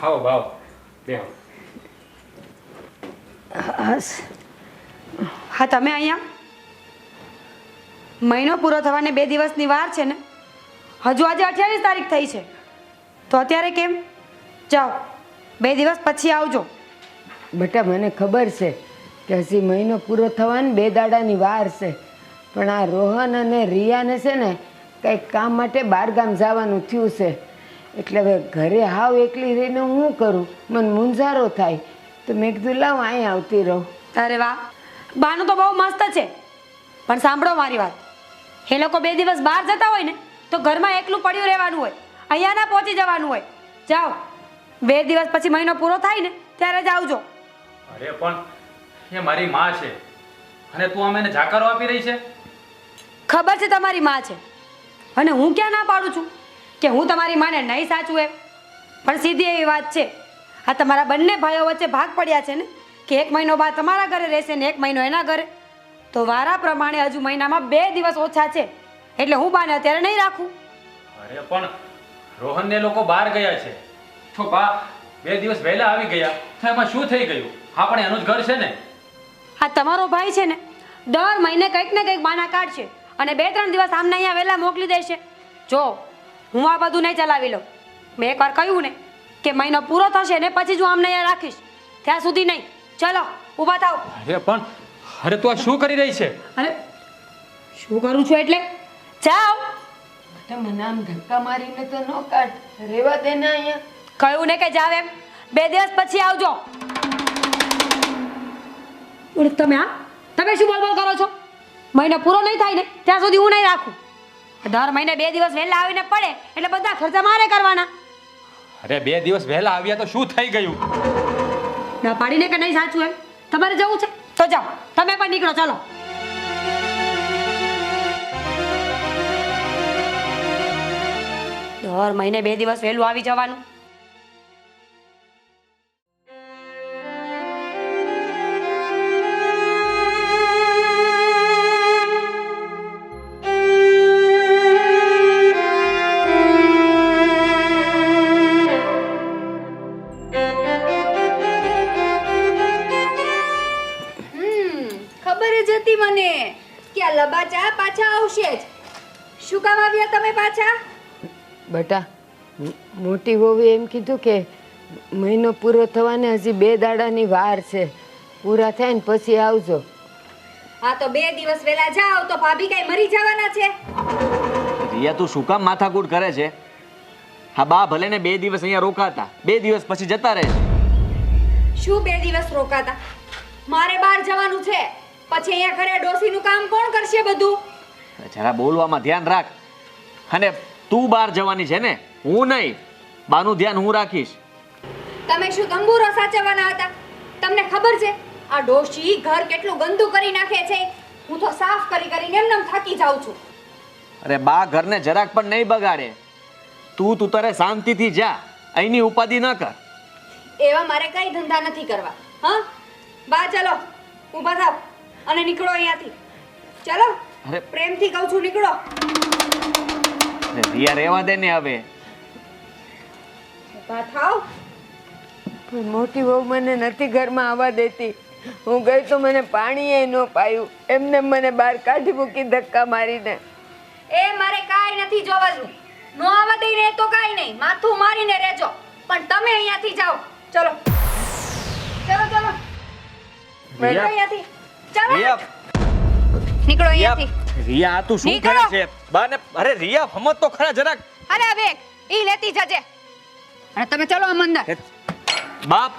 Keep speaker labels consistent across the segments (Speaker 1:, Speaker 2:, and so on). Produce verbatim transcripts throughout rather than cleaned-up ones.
Speaker 1: આવો બાવો બેહો.
Speaker 2: હા તમે અહીંયા મહિનો પૂરો થવાને બે દિવસની વાર છે ને? હજુ આજે અઠ્યાવીસ તારીખ થઈ છે તો અત્યારે કેમ? જાઓ બે દિવસ પછી આવજો.
Speaker 3: બેટા મને ખબર છે કે હજી મહિનો પૂરો થવાને બે દાડાની વાર છે, પણ આ રોહન અને રિયાને છે ને કંઈક કામ માટે બહારગામ જવાનું થયું છે, એટલે હવે ઘરે હાવ એકલી રહીને હું કરું, મને મૂંઝારો થાય, તો મેં કીધું લાવ અહીં આવતી રહું.
Speaker 2: અરે વાહ, બાનું તો બહુ મસ્ત છે, પણ સાંભળો મારી વાત, એ લોકો બે દિવસ બહાર જતા હોય ને તો ઘરમાં એકલું પડ્યું રહેવાનું હોય, અહીંયા ના પહોંચી જવાનું હોય. જાઓ બે દિવસ પછી મહિનો પૂરો થાય ને ત્યારે જ આવજો.
Speaker 1: અરે પણ એ મારી માં છે અને તું આમ એને જાકારો આપી રહી છે.
Speaker 2: ખબર છે તમારી માં છે અને હું ક્યાં ના પાડું છું કે હું તમારી માને નહીં સાચું એમ, પણ સીધી એવી વાત છે, આ તમારા બંને ભાઈઓ વચ્ચે ભાગ પડ્યા છે ને કે એક મહિનો બાદ તમારા ઘરે રહેશે ને એક મહિનો એના ઘરે, તો વારા પ્રમાણે હજુ મહિનામાં બે દિવસ ઓછા છે, એટલે હું બાને અત્યારે નહીં રાખું.
Speaker 1: અરે પણ રોહનને લોકો બહાર ગયા છે તો બા બે દિવસ વહેલા આવી ગયા તો એમાં શું થઈ ગયું? હા પણ એનું જ ઘર છે ને.
Speaker 2: આ તમારો ભાઈ છે ને દર મહિને કંઈક ને કંઈક બાના કાઢશે અને બે ત્રણ દિવસ આમને અહીંયા વહેલા મોકલી દેશે. જો હું આ બધું નહીં ચલાવી લઉં, મેં એકવાર કહ્યું ને કે મહિનો પૂરો થશે ને પછી જ હું આમને અહીંયા રાખીશ, ત્યાં સુધી નહીં. ચલો ઊભા થાવ.
Speaker 1: અરે પણ અરે તું આ શું કરી રહી છે?
Speaker 2: અરે શું કરું છું એટલે? જાઓ.
Speaker 3: બેટા મને આમ ધક્કા મારીને તો ન કાઢ, રેવા દે ને અહીંયા.
Speaker 2: કહ્યું ને કે જાવ એમ, બે દિવસ પછી આવજો. ઓરે તમે આ તમે શું બોલ બોલ કરો છો? મહિનો પૂરો નહીં થાય ને ત્યાં સુધી હું નહીં રાખું. દર મહિને બે દિવસ વહેલા આવીને પડે એટલે બધા ખર્ચા મારે કરવાના.
Speaker 1: અરે બે દિવસ વહેલા આવ્યા તો શું થઈ ગયું?
Speaker 2: ના પાડીને કે નહીં સાચું એમ? તમારે જવું છે તો જાઓ, તમે પણ નીકળો. ચાલો. દર મહિને બે દિવસ વહેલું આવી જવાનું.
Speaker 4: લબાચા પાછા આવશે જ. શું કામ આવ્યા તમે પાછા?
Speaker 3: બેટા મોટી વહુએ એમ કીધું કે મહિનો પૂરો થવાને હજી બે દાડાની વાર છે, પૂરા થાય ને પછી આવજો.
Speaker 4: હા તો બે દિવસ વહેલા જાઓ તો ભાભી કઈ મરી જવાના છે?
Speaker 5: રિયા તું શું કામ માથાકૂટ કરે છે? હા બા ભલે ને બે દિવસ અહીંયા રોકાતા, બે દિવસ પછી જતા રહે.
Speaker 4: શું બે દિવસ રોકાતા? મારે બહાર જવાનું છે, પછી અહીંયા ઘરે ડોસીનું કામ કોણ કરશે બધું?
Speaker 5: જરા બોલવામાં ધ્યાન રાખ. અને તું બહાર જવાની છે ને, હું નહીં. બાનું ધ્યાન હું રાખીશ.
Speaker 4: તમે શું તંબુરો સાચવવાના હતા? તમને ખબર છે આ ડોશી ઘર કેટલું ગંદુ કરી નાખે છે? હું તો સાફ કરી કરીને એમનેમ થાકી જાઉં છું.
Speaker 5: અરે બા ઘરને જરાક પણ નહીં બગાડે. તું તું તારે શાંતિથી જા, અહીંની ઉપાધિ ન કર.
Speaker 4: એવા મારે કઈ ધંધા નથી કરવા. હા બા ચાલો ઊભા થાવ અને નીકળો અહીંયાથી. ચાલો પ્રેમથી કહું છું નીકળો.
Speaker 5: રિયા રહેવા દે ને હવે.
Speaker 4: ઊભા થાવ.
Speaker 3: પણ મોટી વહુ મને નથી ઘરમાં આવવા દેતી. હું ગઈ તો મને પાણીએ ન પાયું, એમને મને બહાર કાઢી મૂકી ધક્કા મારીને.
Speaker 4: એ મારે કાંઈ નથી જોવાનું. નો આવવા દઈને તો કાંઈ નહીં, માથું મારીને રહેજો, પણ તમે અહીંયાથી જાઓ. ચલો ચલો ચલો નીકળો અહીંયાથી. ચાલો નીકળો અહીંયાથી.
Speaker 5: રિયા આ તું શું કરે છે? બાને અરે રિયા હમત તો ખરા જરાક.
Speaker 4: અરે હવે ઈ લેતી જજે અને તમે ચલો આમ અંદર.
Speaker 5: બાપ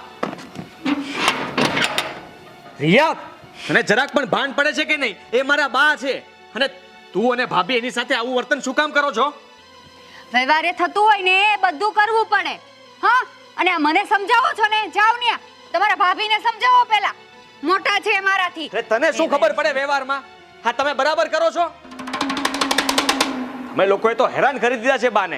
Speaker 5: રિયા તને જરાક પણ ભાન પડે છે કે નહીં? એ મારા બા છે અને તું અને ભાભી એની સાથે આવું વર્તન શું કામ કરો છો?
Speaker 4: વ્યવહારે થતું હોય ને એ બધું કરવું પડે. હા અને આ મને સમજાવો છો ને, જાવ ને તમારા ભાભીને સમજાવો પહેલા, મોટા છે મારાથી.
Speaker 5: તને શું ખબર પડે વ્યવહારમાં? હા તમે બરાબર કરો છો. અમે લોકોએ તો હેરાન કરી દીધા છે બાને.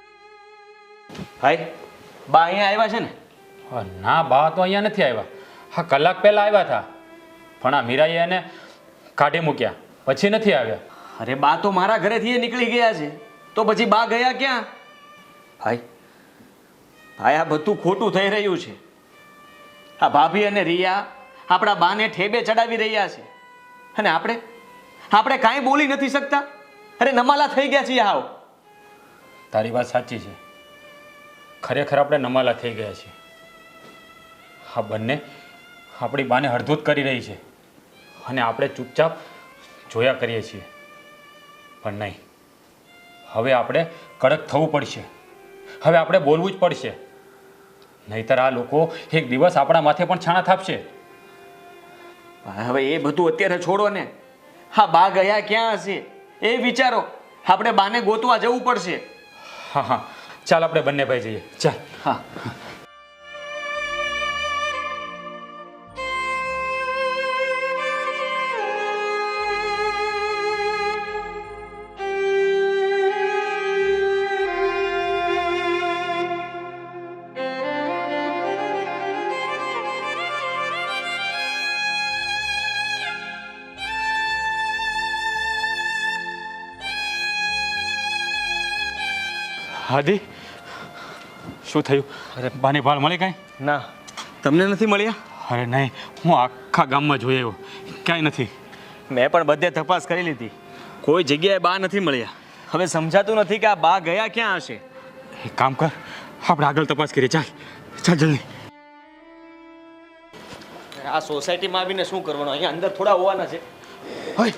Speaker 5: હાય બા અહીંયા આવ્યા છે ને?
Speaker 1: ના બા તો અહીંયા નથી આવ્યા. હા કલાક પહેલાં આવ્યા હતા પણ આ મીરાએ એને કાઢી મૂક્યા પછી નથી આવ્યા.
Speaker 5: અરે બા તો મારા ઘરેથી એ નીકળી ગયા છે તો પછી બા ગયા ક્યાં? ભાઈ ભાઈ આ બધું ખોટું થઈ રહ્યું છે. આ ભાભી અને રિયા આપણા બાને ઠેબે ચડાવી રહ્યા છે અને આપણે આપણે કાંઈ બોલી નથી શકતા. અરે નમાલા થઈ ગયા છીએ હાવ.
Speaker 1: તારી વાત સાચી છે, ખરેખર આપણે નમાલા થઈ ગયા છીએ. આ બંને આપણી બાને હળધૂત કરી રહી છે અને આપણે ચૂપચાપ જોયા કરીએ છીએ. પણ નહીં, હવે આપણે કડક થવું પડશે. હવે આપણે બોલવું જ પડશે, નહીતર આ લોકો એક દિવસ આપણા માથે પણ છાણા થાપશે.
Speaker 5: હવે એ બધું અત્યારે છોડો ને. હા બા ગયા ક્યાં હશે એ વિચારો. આપણે બાને ગોતવા જવું પડશે.
Speaker 1: હા હા ચાલ આપણે બંને ભાઈ જઈએ. ચાલ.
Speaker 5: હા
Speaker 1: હાદી શું થયું? અરે બાની ભાળ મળી કાંઈ?
Speaker 5: ના તમને નથી મળ્યા?
Speaker 1: અરે નહીં, હું આખા ગામમાં જોઈ આવ્યો, ક્યાંય નથી.
Speaker 5: મેં પણ બધે તપાસ કરી લીધી, કોઈ જગ્યાએ બા નથી મળ્યા. હવે સમજાતું નથી કે આ બા ગયા ક્યાં હશે.
Speaker 1: એક કામ કર, આપણે આગળ તપાસ કરીએ. ચાલ ચાલ જલ્દી.
Speaker 5: આ સોસાયટીમાં આવીને શું કરવાનું? અહીંયા અંદર થોડા હોવાના છે.
Speaker 1: હોય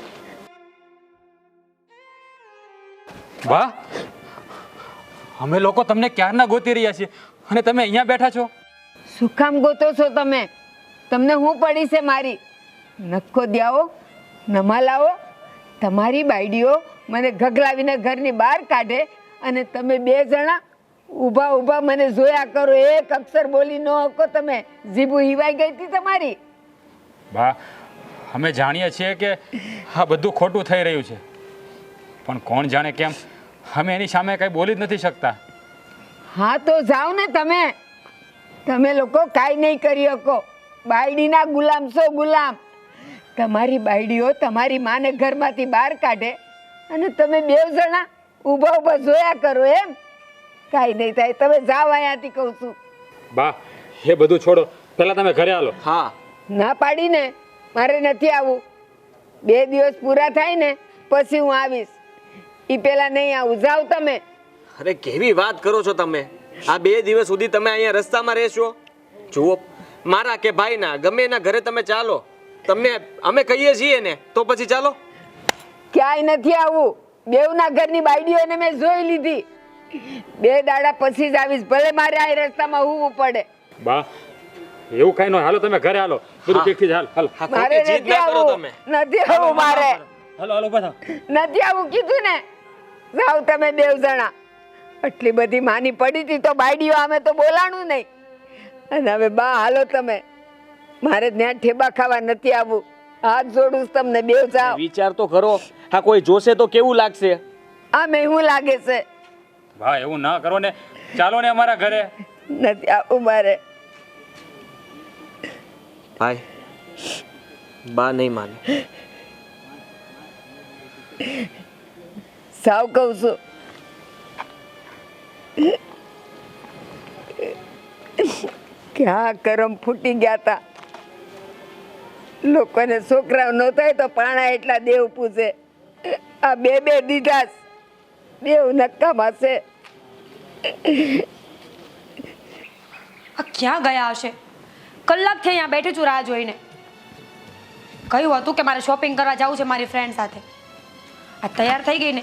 Speaker 1: બા, અમે લોકો તમને ક્યારના ગોતી રહ્યા છીએ અને તમે અહીંયા બેઠા છો.
Speaker 3: શું કામ ગોતો છો તમે? તમને હું પડી છે મારી? નખો દ્યાવો, નમાલાવો. તમારી બાયડીઓ મને ગગલાવીને ઘરની બહાર કાઢે અને તમે બે જણા ઊભા ઊભા મને જોયા કરો. એક અક્ષર બોલી ન હકો તમે. જીભું હિવાઈ ગઈ હતી તમારી.
Speaker 1: બા, અમે જાણીએ છીએ કે આ બધું ખોટું થઈ રહ્યું છે, પણ કોણ જાણે કેમ અમે એની સામે કંઈ બોલી જ નથી શકતા.
Speaker 3: હા તો જાઓ ને તમે. તમે લોકો કાંઈ નહીં કરી શકો. બાયડીના ગુલામ છો, ગુલામ. તમારી બાયડીઓ તમારી માને ઘરમાંથી બહાર કાઢે અને તમે બે જણા ઊભા ઊભા જોયા કરો એમ. કાંઈ નહીં થાય, તમે જાઓ અહીંયાથી કહું છું.
Speaker 1: બા, એ બધું છોડો, પહેલા તમે ઘરે આલો.
Speaker 5: હા
Speaker 3: ના પાડીને મારે નથી આવવું. બે દિવસ પૂરા થાય ને પછી હું આવીશ. એ પેલા નહીં આવું. જાઓ તમે.
Speaker 5: અરે કેવી વાત કરો છો તમે? આ બે દિવસ સુધી તમે અહીંયા રસ્તામાં રહેશો? જુઓ, મારા કે ભાઈના ગમે એના ઘરે તમે ચાલો, તમને અમે કહીએ છીએ ને તો પછી ચાલો.
Speaker 3: ક્યાંય નથી આવું. બેવના ઘરની બાયડીઓને મેં જોઈ લીધી. બે દાડા પછી જ આવીશ, ભલે મારે આ રસ્તામાં હોવું પડે.
Speaker 1: બા, એવું કઈ ન. હાલો તમે ઘરે હાલો, બધું ઠીક હાલ હાલ.
Speaker 5: હા,
Speaker 3: મારે
Speaker 5: ખોટી જીદ
Speaker 3: નથી
Speaker 5: ના કરો
Speaker 3: આવું.
Speaker 5: તમે.
Speaker 3: નથી આવું મારે.
Speaker 1: હાલો હાલો બધા.
Speaker 3: નથી આવું કીધું ને. જાઓ તમે બેવ જણા. આટલી બધી માની પડી હતી તો બાયડીઓ અમે તો બોલાણું નહીં. અને હવે બા હાલો તમે. મારે ત્યાં ઠેબા ખાવા નથી આવવું. હાથ જોડું છું તમને. બેવ જાઓ.
Speaker 5: વિચાર તો કરો, હા કોઈ જોશે તો કેવું લાગશે?
Speaker 3: આ મેં લાગે છે.
Speaker 1: બા, એવું ના કરો ને. ચાલો ને અમારા ઘરે.
Speaker 3: નથી આવું મારે.
Speaker 5: ભાઈ, બા નહીં માને.
Speaker 3: સાવ કહું છું. ક્યાં કરમ ફૂટી ગયા તા. લોકોને છોકરાઓ ન થાય તો પાણા એટલા દેવ પૂછે. આ બે બે દીધા દેવ નક્કામાં છે.
Speaker 2: આ ક્યાં ગયા હશે? કલાકથી અહીંયા બેઠી છું રાહ જોઈને. કહ્યું હતું કે મારે શોપિંગ કરવા જવું છે મારી ફ્રેન્ડ સાથે. આ તૈયાર થઈ ગઈ ને.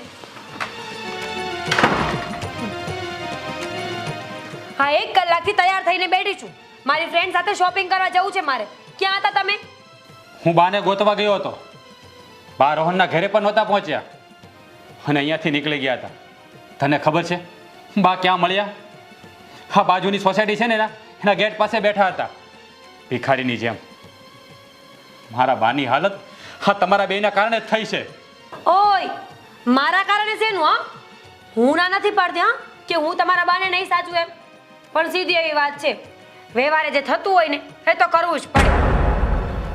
Speaker 2: હા, એક કલાકથી તૈયાર થઈને બેઠી છું. મારી ફ્રેન્ડ સાથે શોપિંગ કરવા જવું છે મારે. ક્યાં હતા તમે?
Speaker 1: હું બાને ગોતવા ગયો હતો. બા રોહનના ઘરે પણ નહોતા પહોંચ્યા અને અહીંયાથી નીકળી ગયા હતા. તને ખબર છે બા ક્યાં મળ્યા? હા, બાજુની સોસાયટી છે ને એના એના ગેટ પાસે બેઠા હતા, ભિખારીની જેમ. મારા બાની હાલત હા તમારા બેના કારણે જ થઈ છે.
Speaker 2: ઓય, મારા કારણે શેનું? હા, હું ના નથી પાડતી હા કે હું તમારા બાને નહીં સાચું એમ. પણ સીધી એવી વાત છે, વ્યવહારે જે થતું હોય ને એ તો કરવું જ પડે.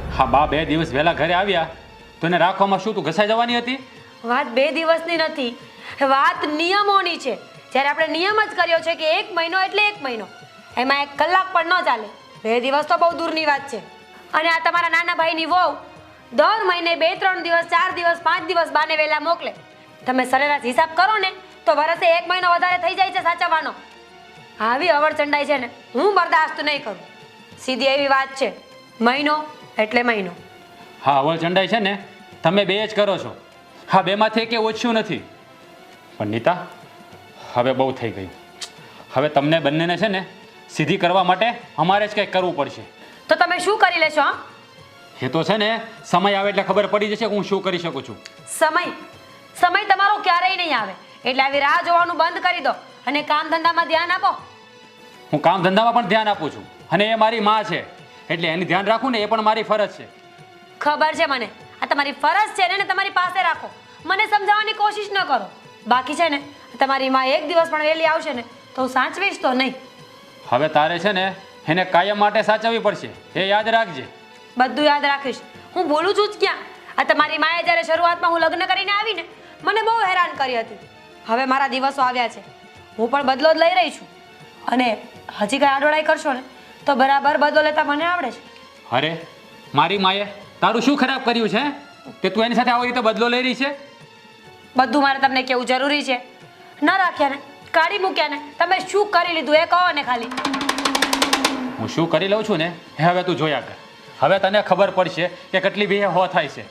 Speaker 1: હા બા બે દિવસ વહેલા ઘરે આવ્યા તો એને રાખવામાં શું તું ઘસાઈ જવાની હતી?
Speaker 2: વાત બે દિવસની નથી, વાત નિયમોની છે. જ્યારે આપણે નિયમ જ કર્યો છે કે એક મહિનો એટલે એક મહિનો, એમાં એક કલાક પણ ન ચાલે. બે દિવસ તો બહુ દૂરની વાત છે. અને આ તમારા નાના ભાઈની વહુ દર મહિને બે ત્રણ દિવસ, ચાર દિવસ, પાંચ દિવસ બાને વહેલા મોકલે. તમે સરેરાશ હિસાબ કરો ને તો વરસે એક મહિનો વધારે થઈ જાય છે સાચવવાનો. આવી અવળચંડાઈ છે ને હું બરદાસ્ત નહીં કરું. સીધી એવી વાત છે, મહિનો એટલે મહિનો.
Speaker 1: હા અવળ ચંડાઈ છે ને તમે બે જ કરો છો. હા બેમાંથી કે ઓછું નથી. પણ નીતા હવે બહુ થઈ ગયું. હવે તમને બંનેને છે ને સીધી કરવા માટે અમારે જ કંઈક કરવું પડશે.
Speaker 2: તો તમે શું કરી લેશો? હા,
Speaker 1: એ તો છે ને સમય આવે એટલે ખબર પડી જશે કે હું શું કરી શકું છું.
Speaker 2: સમય સમય તમારો ક્યારેય નહીં આવે, એટલે આવી રાહ જોવાનું બંધ કરી દો અને કામ ધંધામાં ધ્યાન આપો.
Speaker 1: હું કામ ધંધામાં પણ ધ્યાન આપું છું અને એ મારી માં છે એટલે એની ધ્યાન રાખવું ને એ પણ મારી ફરજ છે.
Speaker 2: ખબર છે મને, આ તમારી ફરજ છે ને, તમારી પાસે રાખો. મને સમજાવવાની કોશિશ ન કરો. બાકી છે ને તમારી માં એક દિવસ પણ વહેલી આવશે ને તો હું સાચવીશ તો નહીં.
Speaker 1: હવે તારે છે ને એને કાયમ માટે સાચવવી પડશે, એ યાદ રાખજે.
Speaker 2: બધું યાદ રાખીશ. હું બોલું છું જ ક્યાં? આ તમારી માએ જ્યારે શરૂઆતમાં હું લગ્ન કરીને આવીને મને બહુ હેરાન કરી હતી. હવે મારા દિવસો આવ્યા છે, હું પણ બદલો જ લઈ રહી છું. અને હજી કાંઈ આડોડાઈ કરશો ને તો બરાબર બદલો લેતા મને આવડે છે.
Speaker 1: અરે મારી માએ તારું શું ખરાબ કર્યું છે કે તું એની સાથે આવી રીતે બદલો લઈ રહી છે?
Speaker 2: બધું મારે તમને કેવું જરૂરી છે? ન રાખ્યા ને, કાઢી મૂક્યા ને, તમે શું કરી લીધું એ કહો ને ખાલી.
Speaker 1: હું શું કરી લઉં છું ને એ હવે તું જોયા કર. હવે તને ખબર પડશે કે કેટલી બી હો થાય છે.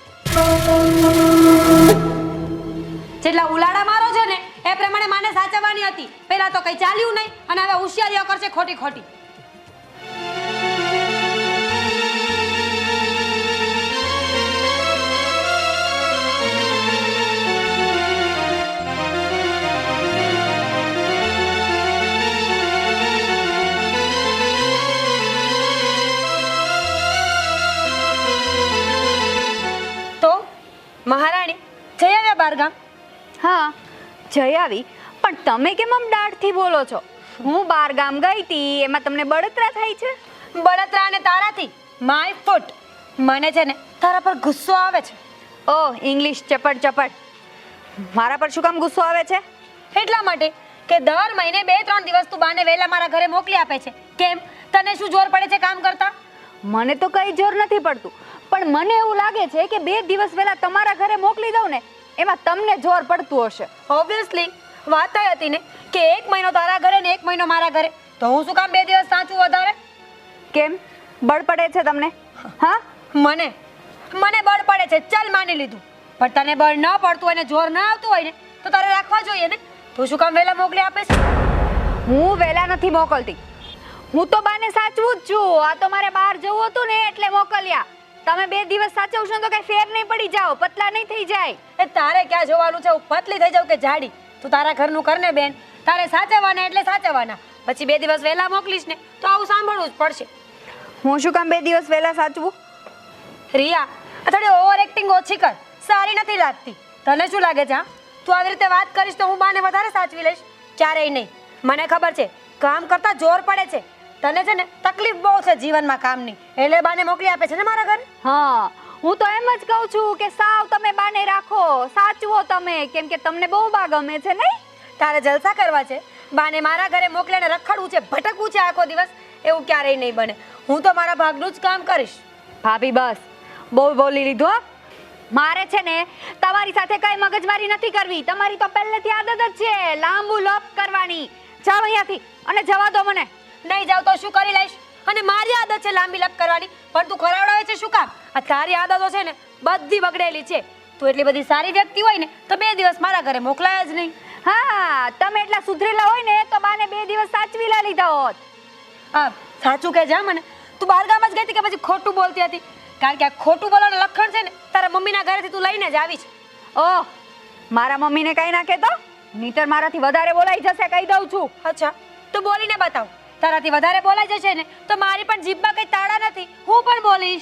Speaker 2: જેટલા ઉલાડા મારો છો ને એ પ્રમાણે માને સાચવવાની હતી. પહેલા તો કઈ ચાલ્યું નહીં અને હવે હોશિયારીઓ કરશે ખોટી ખોટી. તો મહારાણી જઈ આવ્યા બારગામ?
Speaker 4: હા જઈ આવી, પણ તમે કેમ આમ દાઢથી બોલો છો? હું બાર ગામ ગઈ હતી એમાં તમને બળતરા થાય છે?
Speaker 2: બળતરા અને તારાથી માય ફૂટ. મને છે ને તારા પર ગુસ્સો આવે છે.
Speaker 4: ઓહ, ઇંગ્લિશ ચપટ ચપટ. મારા પર શું કામ ગુસ્સો આવે છે?
Speaker 2: એટલા માટે કે દર મહિને બે ત્રણ દિવસ તું બાને વહેલા મારા ઘરે મોકલી આપે છે. કેમ, તને શું જોર પડે છે કામ કરતા?
Speaker 4: મને તો કઈ જોર નથી પડતું, પણ મને એવું લાગે છે કે બે દિવસ વહેલા તમારા ઘરે મોકલી દઉં ને એમાં તમને જોર પડતું હશે.
Speaker 2: ઓબ્વિયસલી વાત એ હતી ને કે એક મહિનો તારા ઘરે ને એક મહિનો મારા ઘરે, તો હું શું કામ બે દિવસ સાચું વધારે?
Speaker 4: કેમ, બળ પડે છે તમને? હા,
Speaker 2: મને મને બળ પડે છે, ચાલ માની લીધું. પણ તને બળ ન પડતું અને જોર ન આવતું હોય ને તો તારે રાખવા જોઈએ ને. તું શું કામ વહેલા મોકલી આપે છે?
Speaker 4: હું વહેલા નથી મોકલતી. હું તો બાને સાચવું જ છું. આ તો મારે બહાર જવું હતું ને એટલે મોકલ્યા. તમે બે દિવસ સાચવશો તો કઈ ફેર નહીં પડી જાઓ, પતલા નહીં થઈ જાય.
Speaker 2: એ તારે ક્યાં જોવાનું છે? હું પતલી થઈ જાઉં કે જાડી? તું તારા ઘરનું કર ને બેન. તારે સાચવવાના એટલે સાચવવાના. પછી બે દિવસ વહેલા મોકલીશ ને તો આવું સાંભળવું જ પડશે.
Speaker 4: હું શું કામ બે દિવસ વહેલા સાચવું?
Speaker 2: રિયા, આ થોડી ઓવર એક્ટિંગ ઓછી કર, સારી નથી લાગતી. તને શું લાગે છે? હા, તું આવી રીતે વાત કરીશ તો હું બાને વધારે સાચવી લઈશ? ક્યારેય નહીં. મને ખબર છે કામ કરતા જોર પડે છે. તને છે ને તકલીફ બહુ છે જીવનમાં કામની, એટલે બાને મોકલી આપે છે ને મારા ઘરે.
Speaker 4: હા, હું તો એમ જ કહું છું કે સાવ તમે બાને રાખો, સાચવો તમે, કેમ કે તમને બહુ બા ગમે છે નહીં?
Speaker 2: તારે જલસા કરવા છે, બાને મારા ઘરે મોકલીને રખડવું છે, ભટકવું છે આખો દિવસ. એવું ક્યારેય નહીં બને. હું તો મારા ભાગનું જ કામ કરીશ.
Speaker 4: ભાભી બસ બહુ બોલી લીધું હો. મારે છે ને તમારી સાથે કઈ મગજમારી નથી કરવી. તમારી તો પહેલેથી આદત જ છે લાંબુ લોપ કરવાની. જાઓ અહીંયાથી અને જવા દો મને.
Speaker 2: નહીં જાવ તો શું કરી લઈશ? અને મારી આદત છે લાંબી લપ કરવાની, પણ તું ખરાવડાવે છે શું કામ? આ તારી આદતો છે ને બધી બગડેલી છે. તું એટલી બધી સારી વ્યક્તિ હોય ને તો બે દિવસ મારા ઘરે મોકલાય જ નહીં.
Speaker 4: હા, તમે એટલા સુધરેલા હોય ને તો બાને બે દિવસ સાચવી લા લીધા હોત.
Speaker 2: હા, સાચું કહે જા મને. તું બારગામ જ ગઈ હતી કે પછી ખોટું બોલતી હતી? કારણ કે આ ખોટું બોલવાનું લક્ષણ છે ને તારા મમ્મીના ઘરેથી તું લઈને જ આવી છે.
Speaker 4: ઓહ, મારા મમ્મીને કઈ ના કહેતો, નહીતર મારાથી વધારે બોલાઈ જશે, કહી દઉં છું.
Speaker 2: અચ્છા, તું બોલીને બતાવ. તારાથી વધારે બોલાઈ જશે ને તો મારી પણ જીભમાં કઈ તાળા નથી, હું પણ બોલીશ.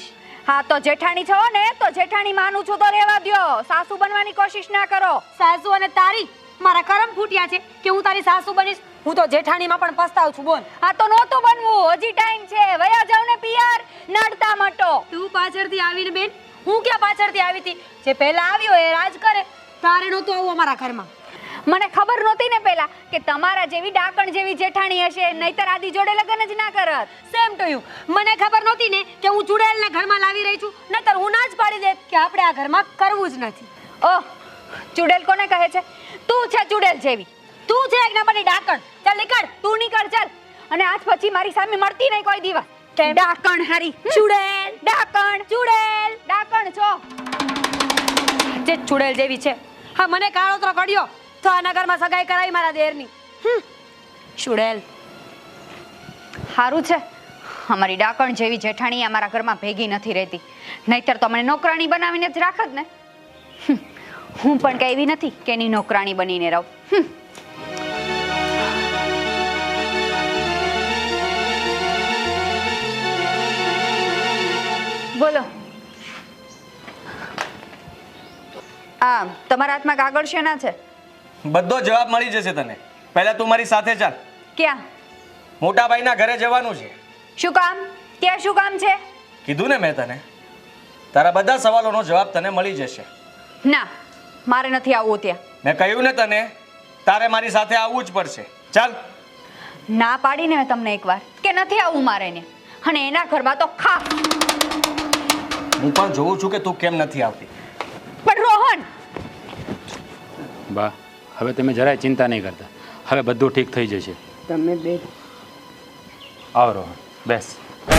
Speaker 4: હા તો જેઠાણી છો ને તો જેઠાણી માનું છું તો રહેવા દ્યો, સાસુ બનવાની કોશિશ ના કરો.
Speaker 2: સાસુ અને તારી મારા કરમ ફૂટ્યા છે કે હું તારી સાસુ બનીશ. હું તો જેઠાણીમાં પણ પસ્તાવ છું. બોલ.
Speaker 4: હા તો નહોતું બનવું, હજી ટાઈમ છે. વયા જાવ ને પિયર, નડતા મટો.
Speaker 2: તું પાછળથી આવીને બેન, હું ક્યાં પાછળથી આવી હતી? જે પહેલા આવ્યો એ રાજ કરે. તારે નહોતું આવું અમારા ઘરમાં.
Speaker 4: મને ખબર નહોતી ને પહેલા કે તમારા જેવી ડાકણ જેવી જેઠાણી હશે, નહીતર આદિ જોડે લગ્ન જ ના કરત.
Speaker 2: Same to you. મને ખબર નહોતી ને કે હું ચુડેલને ઘરમાં લાવી રહી છું, નહીતર હું ના જ પાડી દેત કે આપણે આ ઘરમાં કરવું જ નથી.
Speaker 4: ઓહ, ચુડેલ કોને કહે છે? તું છે ચુડેલ જેવી.
Speaker 2: તું છે એક નંબરની ડાકણ. ચાલ નીકળ.
Speaker 4: તું નીકળ ચાલ. અને આજ પછી મારી સામે મળતી નહીં કોઈ દિવસ.
Speaker 2: કેમ?
Speaker 4: ડાકણ હારી.
Speaker 2: ચુડેલ,
Speaker 4: ડાકણ,
Speaker 2: ચુડેલ.
Speaker 4: ડાકણ છો.
Speaker 2: જે ચુડેલ જેવી છે. હા, મને કાળોતરો કર્યો તો આ નગરમાં સગાઈ કરાવી મારા દેરની. હમ. ચુડેલ.
Speaker 4: સારું છે અમારી ડાકણ જેવી જેઠાણી અમારા ઘરમાં ભેગી નથી રહેતી, નહીતર તો મને નોકરાણી બનાવીને જ રાખત ને. હમ. હું પણ કઈ એવી નથી કે એની નોકરાણી બનીને રહું. હમ. બોલો. આ તમારા હાથમાં કાગળ શેના છે?
Speaker 5: બધો જવાબ મળી જશે તને. પહેલા તું મારી સાથે ચાલ.
Speaker 4: ક્યાં?
Speaker 5: મોટા ભાઈના ઘરે જવાનું છે.
Speaker 4: શું કામ? ત્યાં શું કામ છે?
Speaker 5: કીધું ને મેં તને. તારા બધા સવાલોનો જવાબ તને મળી જશે.
Speaker 4: ના, મારે નથી આવવું ત્યાં.
Speaker 5: મેં કહ્યું ને તને, તારે મારી સાથે આવવું જ પડશે. ચાલ.
Speaker 4: ના પાડીને મેં તમને એકવાર કે નથી આવવું મારે ને, અને એના ઘરમાં તો ખા.
Speaker 5: હું પણ જોઉં છું કે તું કેમ નથી આવતી.
Speaker 4: પણ રોહન,
Speaker 1: બા, હવે તમે જરાય ચિંતા નહીં કરતા. હવે બધું ઠીક થઈ જશે.
Speaker 3: તમે બે
Speaker 1: આવ રોહન, બેસ.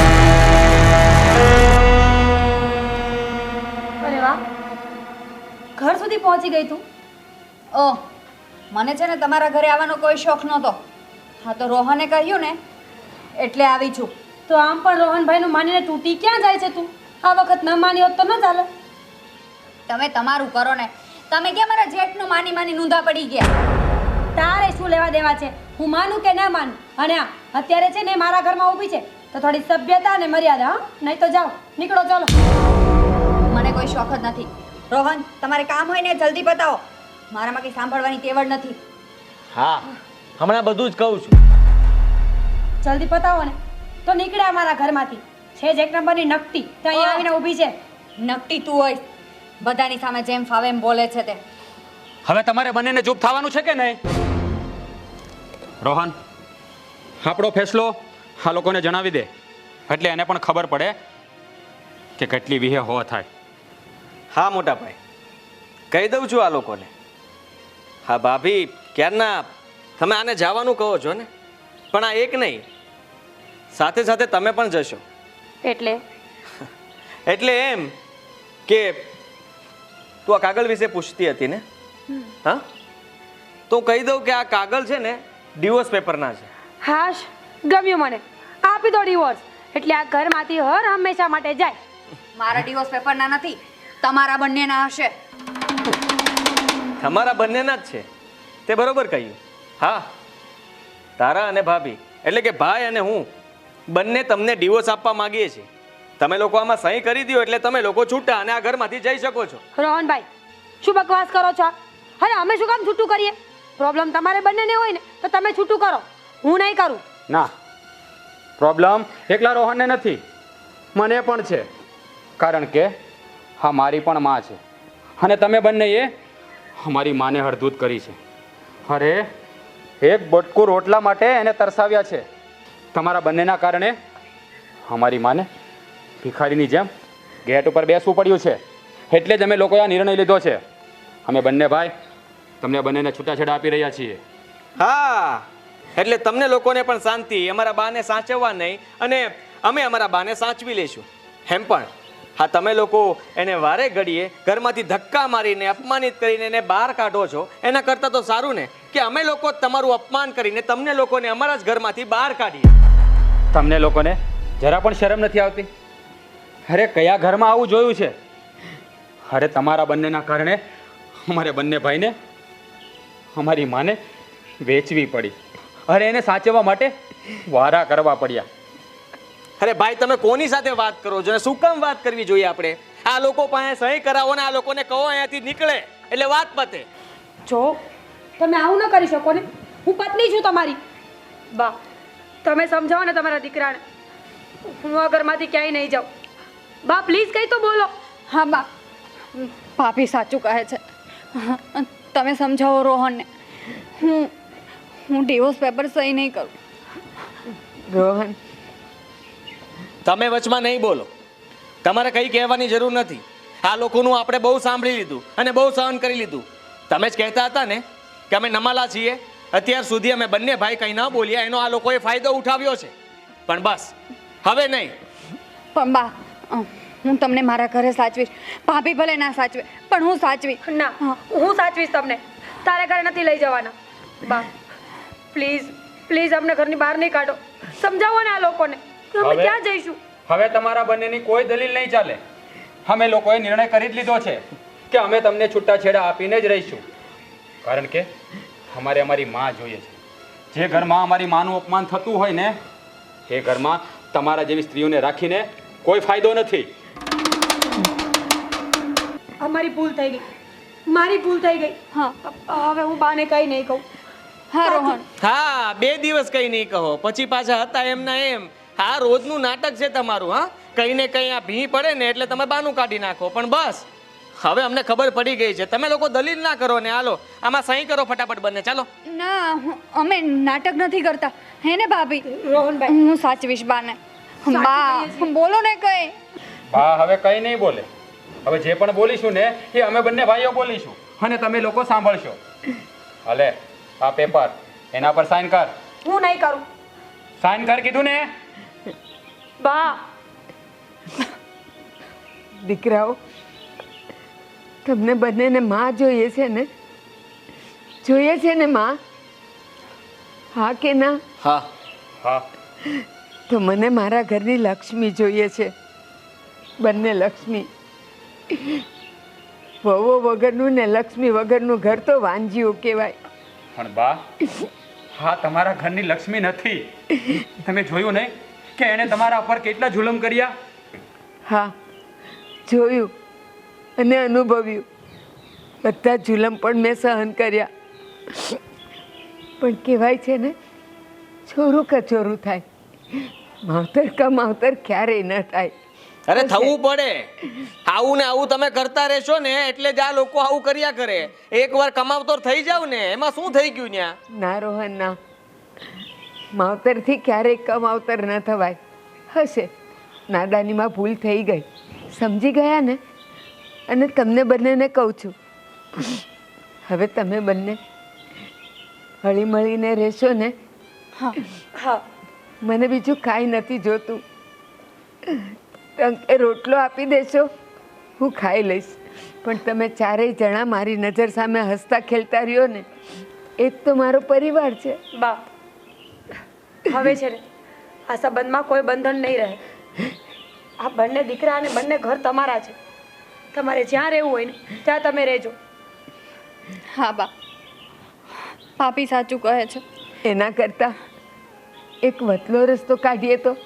Speaker 2: અરે વાહ, ઘર સુધી પહોંચી ગઈ તું.
Speaker 4: ઓહ, મને છે ને તમારા ઘરે આવવાનો કોઈ શોખ નહોતો. હા તો રોહને કહ્યું ને એટલે આવી છું.
Speaker 2: તો આમ પણ રોહનભાઈનું માનીને તૂટી ક્યાં જાય છે તું? આ વખત ન માની હોત તો ન ચાલે.
Speaker 4: તમે તમારું કરો ને. તમે કેમ મારા જેઠનું માની માની નૂંધા પડી ગયા?
Speaker 2: તારે શું લેવા દેવા છે? હું માનું કે ના માનું? અને આ અત્યારે છે ને મારા ઘરમાં ઊભી છે તો થોડી સભ્યતા અને મર્યાદા. હા, નહીં તો જાઓ, નીકળો, ચાલો.
Speaker 4: મને કોઈ શોખ જ નથી. રોહન, તમારે કામ હોય ને જલ્દી બતાવો. મારામાં કંઈ સાંભળવાની તેવડ નથી.
Speaker 5: હા, હમણાં બધું જ કહું છું.
Speaker 2: જલ્દી પતાવો ને તો નીકળ્યા મારા ઘરમાંથી. છે જ એક નંબરની નકટી, તો અહીંયા આવીને ઊભી છે.
Speaker 4: નકટી તું હોય, બધાની સામે જેમ ફાવે એમ બોલે છે તે.
Speaker 1: હવે તમારે બંનેને ચૂપ થવાનું છે કે નહીં? રોહન, આપણો ફેસલો આ લોકોને જણાવી દે, એટલે એને પણ ખબર પડે કે કેટલી વિહે હો થાય.
Speaker 5: હા મોટા ભાઈ, કહી દઉં છું આ લોકોને. હા ભાભી, ક્યારના તમે આને જવાનું કહો છો ને, પણ આ એક નહીં, સાથે સાથે તમે પણ જશો.
Speaker 2: એટલે
Speaker 5: એટલે એમ કે તું આ કાગળ વિશે પૂછતી હતી ને? હા, તો કહી દઉં કે આ કાગળ છે ને ડિવોર્સ પેપરના છે.
Speaker 2: હાશ, ગમ્યું મને. આપી દો ડિવોર્સ, એટલે આ ઘરમાંથી હર હંમેશા માટે જાય.
Speaker 4: મારા ડિવોર્સ પેપરના નથી, તમારા બંનેના હશે.
Speaker 5: તમારા બંનેના જ છે, તે બરોબર કહ્યું. હા, તારા અને ભાભી એટલે કે ભાઈ અને હું બંને તમને ડિવોર્સ આપવા માંગીએ છીએ. તમે લોકો આમાં સહી કરી દો એટલે તમે લોકો છૂટા અને આ ઘરમાંથી જઈ શકો છો.
Speaker 2: રોહનભાઈ, શું બકવાસ કરો છો? અરે અમે શું કામ છૂટું કરીએ? પ્રોબ્લેમ તમારે બંનેને હોય ને તો તમે છૂટું કરો, હું નહીં કરું.
Speaker 1: ના, પ્રોબ્લેમ એકલા રોહનને નથી, મને પણ છે. કારણ કે હા, મારી પણ માં છે અને તમે બંનેએ અમારી માને હળધૂત કરી છે. અરે, એક બટકું રોટલા માટે એને તરસાવ્યા છે. તમારા બંનેના કારણે અમારી માને ભિખારીની જેમ ગેટ ઉપર બેસવું પડ્યું છે. એટલે જ અમે લોકોએ આ નિર્ણય લીધો છે. અમે બંને ભાઈ તમને બંનેને છૂટાછેડા આપી રહ્યા છીએ.
Speaker 5: હા, એટલે તમને લોકોને પણ શાંતિ, અમારા બાને સાચવવા નહીં અને અમે અમારા બાને સાચવી લઈશું. એમ પણ હા, તમે લોકો એને વારે ઘડીએ ઘરમાંથી ધક્કા મારીને અપમાનિત કરીને એને બહાર કાઢો છો, એના કરતાં તો સારું ને કે અમે લોકો તમારું અપમાન કરીને તમને લોકોને અમારા જ ઘરમાંથી બહાર કાઢીએ.
Speaker 1: તમને લોકોને જરા પણ શરમ નથી આવતી? અરે, કયા ઘરમાં આવું જોયું છે? અરે, તમારા બંનેના કારણે અમારે બંને ભાઈને અમારી માને વેચવી પડી. અરે, એને સાચવવા માટે વારા કરવા પડ્યા.
Speaker 5: અરે ભાઈ તમે કોની સાથે વાત કરો છો અને શું કામ વાત કરવી જોઈએ આપણે? આ લોકો પાસે સહી કરાવો ને આ લોકોને કહો અહીંયાથી નીકળે એટલે વાત પતે.
Speaker 2: જો તમે આવું ન કરી શકો ને, હું પત્ની છું તમારી. બા તમે સમજાવો ને તમારા દીકરાને, હું આ ઘરમાંથી ક્યાંય નહીં જાઉં. બા પ્લીઝ કંઈ તો બોલો.
Speaker 4: હા બા, ભાભી સાચું કહે છે. તમે સમજાવો રોહનને. હું હું ડિવોર્સ પેપર સહી નહીં કરું.
Speaker 3: રોહન,
Speaker 5: તમે વચમાં નહીં બોલો. તમારે કંઈ કહેવાની જરૂર નથી. આ લોકોનું આપણે બહુ સાંભળી લીધું અને બહુ સહન કરી લીધું. તમે જ કહેતા હતા ને કે અમે નમાલા છીએ. અત્યાર સુધી અમે બંને ભાઈ કંઈ ન બોલ્યા, એનો આ લોકોએ ફાયદો ઉઠાવ્યો છે. પણ બસ હવે નહીં.
Speaker 4: પણ બા, હું તમને મારા ઘરે સાચવીશ. ભાભી ભલે ના સાચવે પણ હું સાચવી.
Speaker 2: ના, હું સાચવીશ તમને. તારે ઘરે નથી લઈ જવાના. બા પ્લીઝ પ્લીઝ અમને ઘરની બહાર નહીં કાઢો. સમજાવો ને આ લોકોને કે અમે
Speaker 1: હવે?
Speaker 2: ક્યાં જઈશું.
Speaker 1: હવે તમારા બંનેની કોઈ દલીલ નહીં ચાલે. અમે લોકોએ નિર્ણય કરી જ લીધો છે કે અમે તમને છૂટાછેડા આપીને જ રહીશું. કારણ કે અમારે અમારી માં જોઈએ છે. જે ઘરમાં અમારી માનું અપમાન થતું હોય ને એ ઘરમાં તમારા જેવી સ્ત્રીઓને રાખીને કોઈ ફાયદો નથી.
Speaker 2: અમારી ભૂલ થઈ ગઈ, મારી ભૂલ થઈ ગઈ.
Speaker 4: હા
Speaker 2: હવે હું બાને કંઈ નહીં કહું.
Speaker 4: હા રોહન,
Speaker 5: હા, બે દિવસ કંઈ નહીં કહો પછી પાછા હતા એમના એમ. હા, રોજનું નાટક છે તમારું. હા, કંઈ ને કંઈ આ ભી પડે ને એટલે તમે બાનું કાઢી નાખો. પણ બસ હવે અમને ખબર પડી ગઈ છે. તમે લોકો દલીલ ના કરો ને. હાલો આમાં સહી કરો ફટાફટ બંને. ચાલો.
Speaker 4: ના હું- અમે નાટક નથી કરતા હે ને ભાભી?
Speaker 2: રોહનભાઈ
Speaker 4: હું સાચવીશ બાને. બા બોલો ને કઈ.
Speaker 1: હા, હવે કંઈ નહીં બોલે. હવે જે પણ બોલીશું ને એ અમે બંને ભાઈઓ બોલીશું અને તમે લોકો સાંભળશો. હલે આ પેપર એના પર સાઇન કર.
Speaker 2: હું નહીં કરું.
Speaker 1: સાઇન કર કીધું ને.
Speaker 2: બા
Speaker 3: દીકરાઓ, તમને બંનેને માં જોઈએ છે ને? જોઈએ છે ને માં? હા કે ના?
Speaker 5: હા.
Speaker 1: હા,
Speaker 3: તો મને મારા ઘરની લક્ષ્મી જોઈએ છે. બંને લક્ષ્મી. વહુઓ વગરનું ને લક્ષ્મી વગરનું ઘર તો વાંજીઓ કહેવાય.
Speaker 1: પણ બા હા તમારા ઘરની લક્ષ્મી નથી. તમે જોયું નહીં કે એણે તમારા પર કેટલા જુલમ કર્યા?
Speaker 3: હા, જોયું અને અનુભવ્યું. બધા જુલમ પણ મેં સહન કર્યા. પણ કહેવાય છે ને, છોરું કચોરું થાય, માવતર કા માવતર ક્યારેય ન થાય.
Speaker 5: અરે થવું પડે. આવું ને આવું તમે કરતા રહેશો ને એટલે જ આ લોકો આવું કર્યા કરે. એકવાર કમાવતોર થઈ જાવ ને એમાં શું થઈ ગયું ન્યા?
Speaker 3: ના રોહન ના, માવતરથી ક્યારેય કમાવતર ન થવાય. હશે નાદાનીમાં ભૂલ થઈ ગઈ, સમજી ગયા ને? અને તમને બંનેને કહું છું, હવે તમે બંને હળી મળીને રહેશો ને?
Speaker 4: હા
Speaker 2: હા
Speaker 3: મને બીજું કાંઈ નથી જોતું. એ રોટલો આપી દેશો, હું ખાઈ લઈશ. પણ તમે ચારેય જણા મારી નજર સામે હસતા ખેલતા રહ્યો ને, એ જ તો મારો પરિવાર છે.
Speaker 2: બા હવે છે ને આ સંબંધમાં કોઈ બંધન નહીં રહે. આ બંને દીકરા અને બંને ઘર તમારા છે. તમારે જ્યાં રહેવું હોય ને ત્યાં તમે રહેજો.
Speaker 4: હા બા, ભાભી સાચું કહે છે.
Speaker 3: એના કરતાં એક વતલો રસ્તો કાઢીએ તો?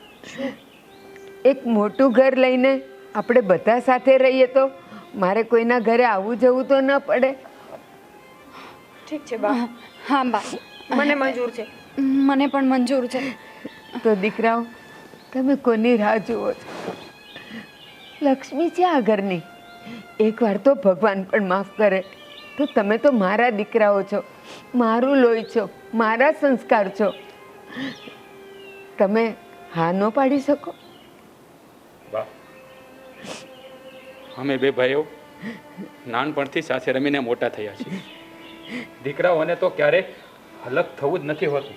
Speaker 3: એક મોટું ઘર લઈને આપણે બધા સાથે રહીએ તો મારે કોઈના ઘરે આવવું જવું તો ન પડે.
Speaker 2: ઠીક છે બા,
Speaker 4: હા બા,
Speaker 2: મને મંજૂર છે.
Speaker 4: મને પણ મંજૂર છે.
Speaker 3: તો દીકરાઓ, તમે કોની રાહ જુઓ છો? લક્ષ્મી છે આ ઘરની. એકવાર તો ભગવાન પણ માફ કરે. તો તમે તો મારા દીકરાઓ છો, મારું લોહી છો, મારા સંસ્કાર છો. તમે હા ન પાડી શકો?
Speaker 1: બા અમે બે ભાઈઓ નાનપણથી સાથે રમીને મોટા થયા છીએ. દીકરાઓને તો ક્યારે અલગ થવું જ નથી હોતું.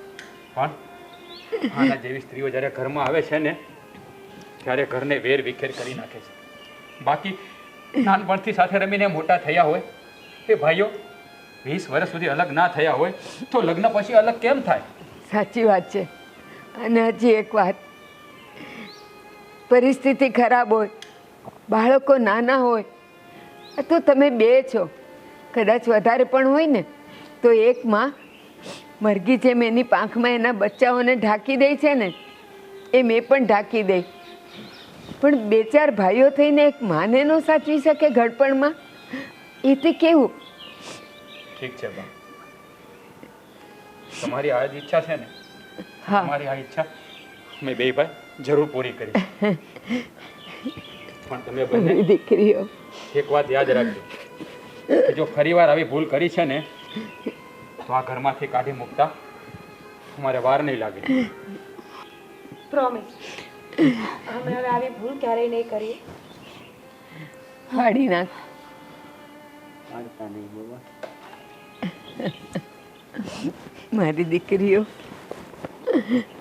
Speaker 1: પણ આના જેવી સ્ત્રીઓ જ્યારે ઘરમાં આવે છે ને ત્યારે ઘરને વેર વિખેર કરી નાખે છે. બાકી નાનપણથી સાથે રમીને મોટા થયા હોય એ ભાઈઓ વીસ વર્ષ સુધી અલગ ના થયા હોય તો લગ્ન પછી અલગ કેમ થાય?
Speaker 3: સાચી વાત છે. અને હજી એક વાત, પરિસ્થિતિ ખરાબ હોય, બાળકો નાના હોય, તો તમે બે છો, કદાચ વધારે પણ હોય ને, તો એક માં મરઘી જેમ એની પાંખમાં એના બચ્ચાઓને ઢાંકી દે છે ને, એ મેં પણ ઢાંકી દઈ. પણ બે ચાર ભાઈઓ થઈને એક માને ન સાચવી શકે ઘડપણમાં, એ તે કેવું?
Speaker 1: ઠીક છે બા, તમારી આ જ ઈચ્છા છે ને?
Speaker 3: હા.
Speaker 1: તમારી આ ઈચ્છા અમે બે ભાઈ જરૂર પૂરી કરી. પણ તમે બંને
Speaker 3: મારી દીકરીઓ,
Speaker 1: એક વાત યાદ રાખજો કે જો ફરીવાર આવી ભૂલ કરી છે ને તો આ ઘરમાંથી કાઢી મૂકતા અમારે વાર નહીં લાગે.
Speaker 2: પ્રોમિસ, અમે હવે આવી ભૂલ ક્યારેય નહીં કરીએ.
Speaker 3: ફાડી નાખ. મારી દીકરીઓ,